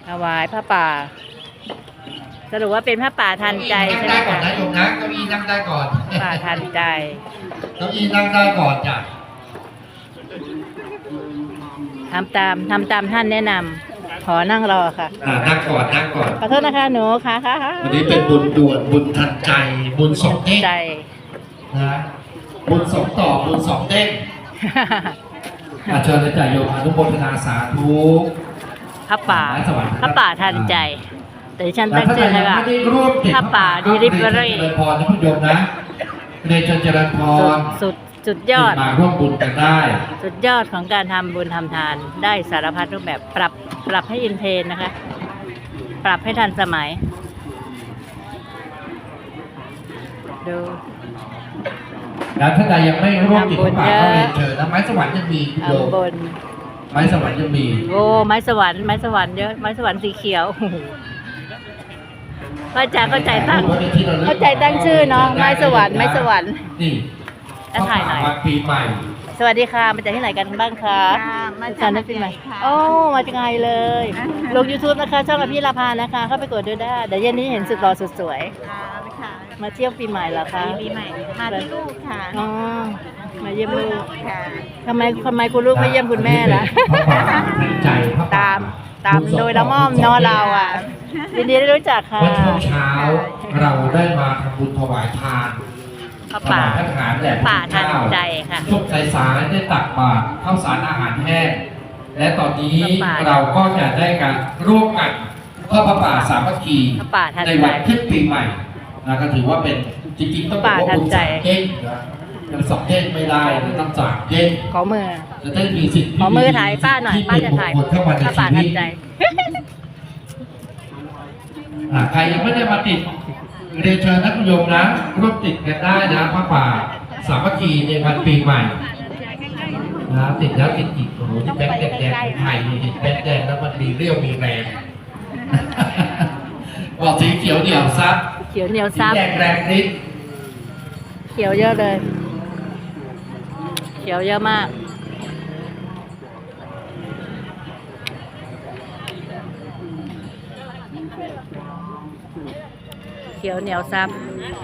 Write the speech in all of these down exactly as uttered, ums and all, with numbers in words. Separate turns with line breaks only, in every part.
ถวายพระป่าสรุปว่าเป็นพระป่าทันใจใช่ไหม
นั่งได้ก่อ
คะ
นนะโยมนะเก้าอี้นั่งได้ก่อน
ป่าทันใจ
เก้าอี้นั่งได้ก่อนจ้ะ
ทำตามทำตามท่านแนะนำขอนั่งรอค่ะ
อ่านั่งก่อนนั่งก่อน
ขอโทษนะคะหนูค่ะค่ะค่ะ
วันนี้เป็นบุญด่วนบุญทันใจบุญสองเด้ง
ใจ
นะบุญสองต่อบุญสองเด้งอาเชิญเลยจ่ายโยมอนุโมทนาสาธุ
พระป่าพระป่าทันใจ แต่ดิฉันตั้งชื่อให้ว่า
ไม่ได้ร่วมติด
พระป่าดีริเวอรี่
เจริญพรนะคุณโยมนะเรียนเชิญเจริญพร
สุดสุดยอด
มาร่วมบุญกันได้
สุดยอดของการทำบุญทำทานได้สารพัดรูปแบบปรับปรับให้อินเทรนด์นะคะ ปรับให้ทันสมัย ดู
แล้วท่านใดยังไม่ร่วมติดพระป่าก็เรียนเชิญนะไม้สวรรค์ยังมีคุณโยม
ทำบน
ไม้สวรรค์ยังมี
โอ้ไม้สวรรค์ไม้สวรรค์เยอะไม้สวรรค์สีเขียว โอ้โหพระอาจารย์เข้าใจตั้งเข้าใจตั้งชื่อเนาะไม้สวรรค์ไม้สวรรค์
นี่
แล้วถ่ายหน่อย
วันปีใหม่
สวัสดีค่ะมาจากที่ไหนกันบ้างคะ
ค่ะมาจาก
สารนักปีใหม่โอ้มาจากไงเลย ลง YouTube นะคะช่องอภิราภานะคะ เข้าไปกดดูได้เดี๋ยวเย็นนี้เห็นสุดหล่อสุดสวย
ค่ะค่ะ
มาเที่ยวปีใหม่เหรอคะ
ปีใหม่มาที่ลูกค่ะ
อ๋อมาเยี่ยมลูก
ค่ะ
ทำไมทำไมคุณลูกไม่เยี่ยมคุณแม่ล่ะ
พระป่าในใจพระป่
ตามตามโดยละม่อมเนอะเราอ่ะยินดีได้รู้จักค่ะ
เมื่อช่วงเช้าเราได้มาทำบุญถวายทาน
พระ
ถ
ป่า
วายพระทหารแด่พระ
ป่า
พุทธ
ทัน
เจ้า
ใจค่ะ
ช่วงสายๆได้ตักบาตรข้าวสารอาหารแห้งและตอนนี้
พระป่า
เราก็จะได้การร่วมกันทอดพระป่าสามัคคี
พระป่าทันใจ
ในวันขึ้นปีใหม่นะก็ถือว่าเป็นจริงๆต้องบอกว่า
พระป่าทั
บุ
น
ญ
ใจ
สามเด้งนะยังสองเด้งไม่ได้ต้องสามเด้ง
ขอมือ
จะได้มีสิทธิ์
ขอมือถ่ายป้าหน่อย
ที่
ป้าจะถ่าย
เป็นมงคลเข้ามาใน
พระป่า
ชี
ทั
วิ
น
ต
ใจ
อ่าใครยังไม่ได้มาติดเรียนเชิญนักโยมนะร่วมติดกันได้นะพระป่าสามัคคีในวันปีใหม่นะติดแล้วติดอีกโอ้โหที่แบงค์แดงๆไทยนี่ติดแบงค์แดงแล้วมันมีเรี่ยวมีแรง บอกสีเขียวเดี่ยวซับ
เขียวเหนียว
สี
ซับ
แดงแรงฤทธิ์
เขียวเยอะเลย เขียวเยอะมาก เขียวเหนียวซับ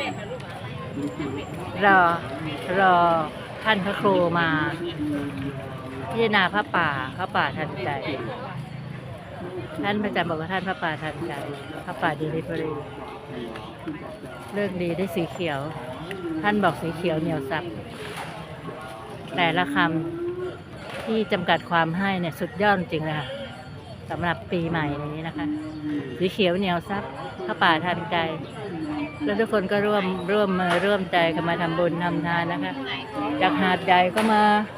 รอ รอท่านพระครูมาพิจารณาพระป่าพระป่าทันใจ ท่านพระอาจารย์บอกว่าท่านพระป่าทันใจ พระป่าดีลิเวอรี่เรื่องดีได้สีเขียว ท่านบอกสีเขียวเหนียวซับ แต่ละคำที่จำกัดความให้เนี่ยสุดยอดจริงเลยค่ะสำหรับปีใหม่นี้นะคะ สีเขียวเหนียวซับพระป่าทันใจ แล้วทุกคนก็ร่วมร่วมมือร่วมใจกันมาทำบุญทำทานนะคะ จากหาดใหญ่ก็มา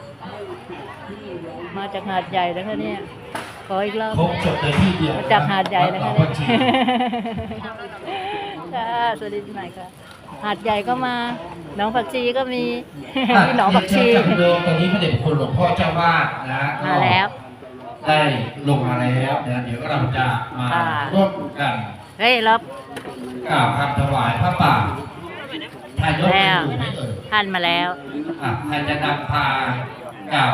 มาจากหาดใหญ่แล้วค่ะเนี่ยขออีกรอบ
ครบจบในที่เดียว
มาจากหาดใหญ่นะคะ
วั
เนี่ย
ดหนองบัวชี
ค่ะสวัสดีปีใหม่ค่ะ หาดใหญ่ก็มาหนองผักชีก็มี มีหนองผักชี
เรียนเชิญจากโยมตอนนี้พระเดชพระคุณหลวงพ่อเจ้าวาดนะ
มาแล้ว
ได้ลงมาแล้วนะเดี๋ยวเราจะมา
ค่ะ
ร่วมกัน
เฮ้ยลบ
กล่าวคำถวายพระป่าทายก
แล้ว
อยู่ไหมเอ่ย
ท่านมาแล้ว
อ่ะใครจะนำพากล่าว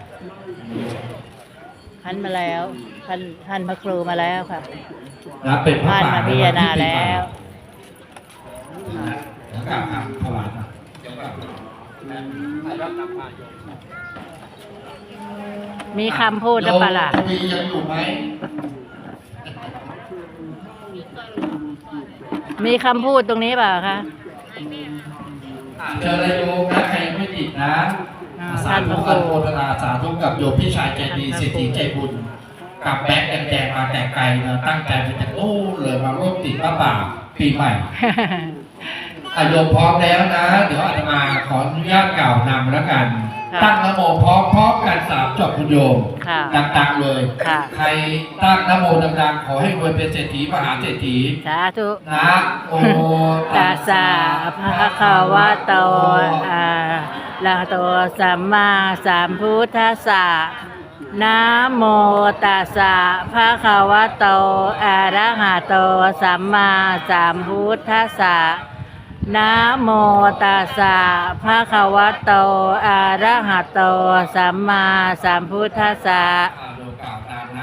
ท่านมาแล้ว ท่านท่านพระครูมาแล้วค่ะ
นะเป็นพระ
ท่าน
ป่า
มาพิจารณาแล้ว
นะแล้วกล่าวคำถวายมาเดี๋ยวก่อนใครรับนำพาโยม
มีคำพูดหรือเปล่าล่ะ
โยมทวียังอยู่ไหม
มีคำพูดตรงนี้เปล่าคะ
เจอเลยโยมนะใครยังไม่ติดนะ
อ่า
สาธุ
ท่านพระครู
อนุโมทนาสาธุกับโยมพี่ชายใจดีเศรษฐีใจบุญกับแบงค์แดงๆมาแต่ไกลนะตั้งใจมาจากโอ้เลยมาร่วมติดพระป่าปีใหม่อาโยมพร้อมแล้วนะ เดี๋ยวอาตมาขออนุญาตกล่าวนำแล้วกัน
ค่ะ
ตั้งนะโมพร้อมพร้อมกันสามจบคุณโยม
ค่ะ
ดังๆเลย
ค่ะ
ใครตั้งนะโมดังๆขอให้รวยเป็นเศรษฐีมหาเศรษฐี
สาธุ
นะโอ
ตัสสะภะคะวะโตอะระหะโตสัมมาสัมพุทธัสสะนะโมตัสสะภะคะวะโตอะระหะโตสัมมาสัมพุทธัสสะนะโมตัสสะภะคะวะโตอะระหะโตสัมมาสัมพุทธัสสะ
อ่าโดยกล่าวตามนะอิป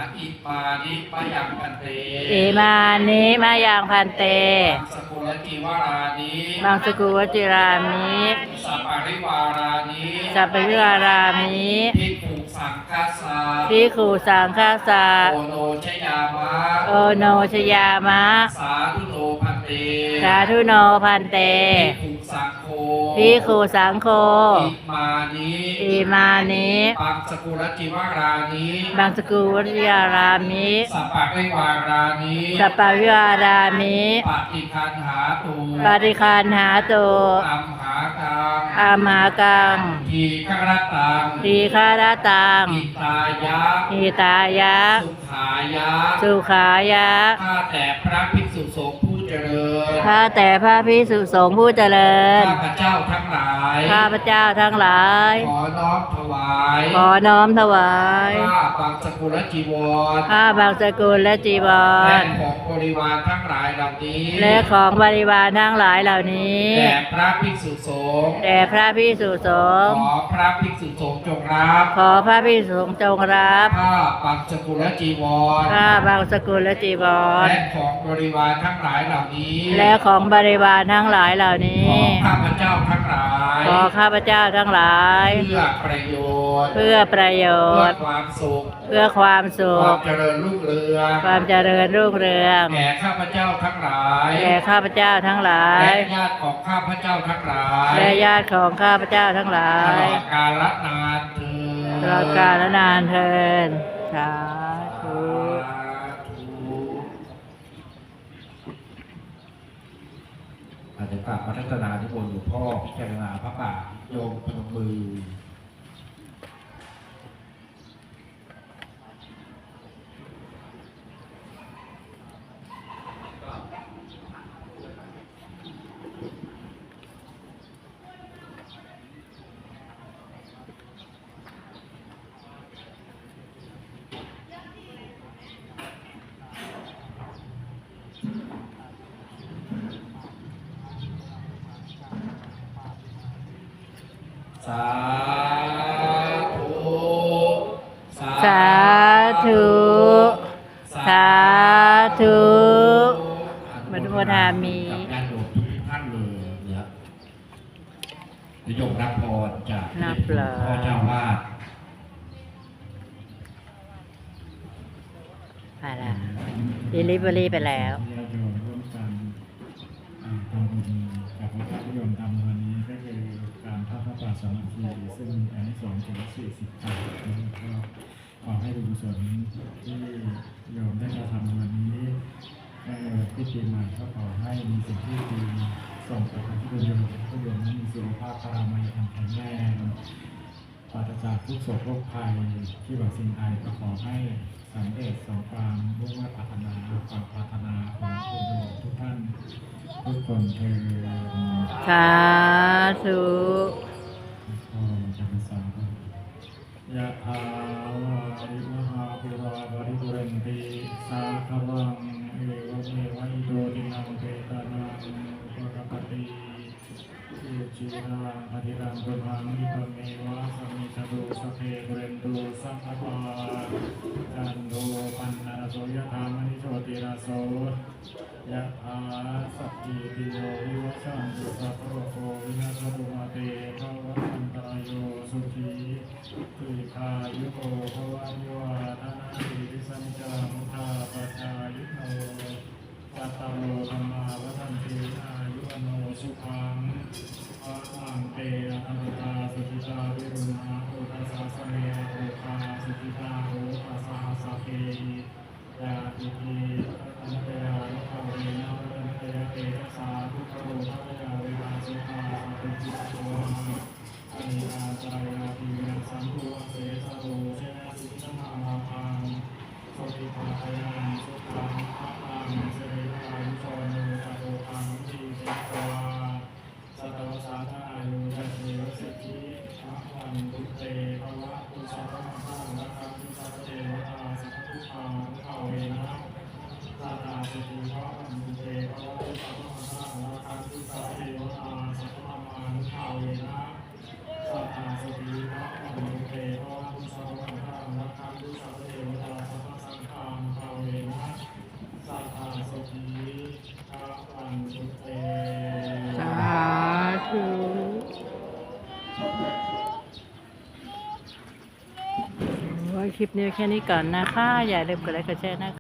มานิมายังพันเต
อิมานิมายังพันเต
มังสกุลจีวารานิ
มังสกุวจิรามิ
สัปปาริวารานิ
สัพพยุรารามิ
ภิกขุสังฆาสา
ภิกขุสังฆาสา
โอโนชยามะ
โอโนชยามะ
สาธุโนพันเต
สาธุโนพันเต
ภิกขุสังโฆ
ภิกขุสังโฆ
อิมานิ
อิมานิ
ปังสกุลจีวารานิ
มังสกุวจิรารามิ
สัปปะริวารานิ
สัพพยุรารามิ
ปฏิคันหาตุ
ปฏิคันหาตุ
อัมหากัง
อามหากัง
ทีฆรตัง
ทีฆารตัง
อิตายะ
อิตายะ
สุขายะ
สุขายะ
ข้าแต่พระภิกษุสงฆ์ผู้เจริญ
ข้าแต่พระภิกษุสงฆ์ผู้เจริญ
ข้าพเจ้าทั้งหลาย
ข้าพเจ้าทั้งหลาย
ขอน้อมถวาย
ขอน้อมถวาย
ข้าบังสกุลจีวร
ข้าบางสกุลและจีว
และ
ร
ของบริวารทั้งหลายเหล่านี้
และของบริวารทั้งหลายเหล่านี้
แด่พระภิกษุสงฆ์
แด่พระภิกษุสงฆ์
ขอพระภิกษุสงฆ์จงรับ
ขอพระภิกษุสงฆ์จงรับ
ข้าบังสกุลจีวร
ข้าบางสกุลและจีวร
และของบริวารทั้งหลายเหล่านี้
และของบริวารทั้งหลายเหล่านี้
ขอข้าพเจ้าทั้งหลาย
ขอข้าพเจ้าทั้งหลาย
เพื่อประโยชน์
เพื่อประโย
เพื่อ
ชน์
ความสุข
เพื่อความสุ
ควา
ข
มเจริญรุ่งเรือง
ความเจริญรุ่งเรือง
แก่ข้าพเจ้าทั้งหลาย
แก่ข้าพเจ้าทั้งหลาย
และญาติของข้าพเจ้าทั้งหลาย
และญาติของข้าพเจ้าทั้งหลา
ตล
ย
อดกาลนานเถิด
ตลอดกาลนานเทินสาธุ
อาจจะกราบพัฒนาที่บนหลวงพ่อพิจารณาพระป่าโยมพนมมือ สาธุ
สาธุ สาธุมนุโมทามิ
กับญาติโยมทุกท่านเลยเนี่ยนิยมรับพรจาก
นับเลย
พ่อเจ้าวาด
ไปละดิลิเวอรี่ไปแล้ว
ญาติโยมร่วมกันอ่าทำบุญกับพระพุทธโยมทำวันนี้ก็คือการทอดพระป่าสามัคคีซึ่งมีอานิสงส์ถึงสี่สิบครั้งก็ขอให้บุญกุศลที่โยมได้กระทำวันนี้เอ่อที่ปีใหม่ก็ขอให้มีสิ่งที่ดีส่งไปทางที่โยมผู้โยมนั้นมีสุขภาพพลามัยแข็งแรงปราศจากทุกโศกโรคภัยที่หวังสิ่งใดก็ขอให้สำเร็จสมความมุ่งมั่นปรารถนาความปรารถนาของคุณโยมทุกท่านทุกคนเธอ
สาธุ
ก็จะเป็นสาวยะถาวาริมหาปุราบริปุเรนติสาคารังเอวเมวะอิโตตินังเปตานังอุปกปติอิจิรังปฏิรังตุหังอิปเมวะสมิจตุสพเพปุเรนตุสัพพะจันโทปันนาโสยะธามณิโชติราโสยะถาสัพพิติโยวิวัชชันตุสัพพะโควินาศตุมาเตภวัตอันตรายโยสุขีทีคายุโกภวะนิวาทนาติวิสัญจามุทาปชายุโนปัตตโลธรรมาวัฏันติอายุวโนสุขังภะลังเตอะระตาสุขิตาวิรุณาโอทัสสะสะเมโอคาสุขิตาโอทัสสะสะเกยาติติอันเตยานุภาเวนะอันเตยเตชะสาทุกขโรภะยาเวนะสุขาสัพพิจิตโตอานิอาจารยาติเวนะสัมภูเสสะโรเชนะสิทธามาพังสุขิภาคยังสุขังภะลังเสริฐานุโชโนจโตพังทีเตตวาสัตวสาธายุจัตเถวสิทธิภะลังตุเตภวะตุสัพพะมะนะคัมตุสัพพะเทวตาสัพพะทุกขานุภาเวนะตาตาสิทธิภะลังตุเตภวะตุสัพพะมะนะคัมตุสัพพะเทวตาสัพพะมานุภาเวนะสัทธาสิทธิภะลังตุเตภวะตุสัพพะมะนะคัมตุสัพพะเทวตาสัพพะสังฆานุตุเต
สาธุโอ้ยคลิปนี้แค่นี้ก่อนนะคะ อย่าลืมกดไลค์กดแชร์นะคะ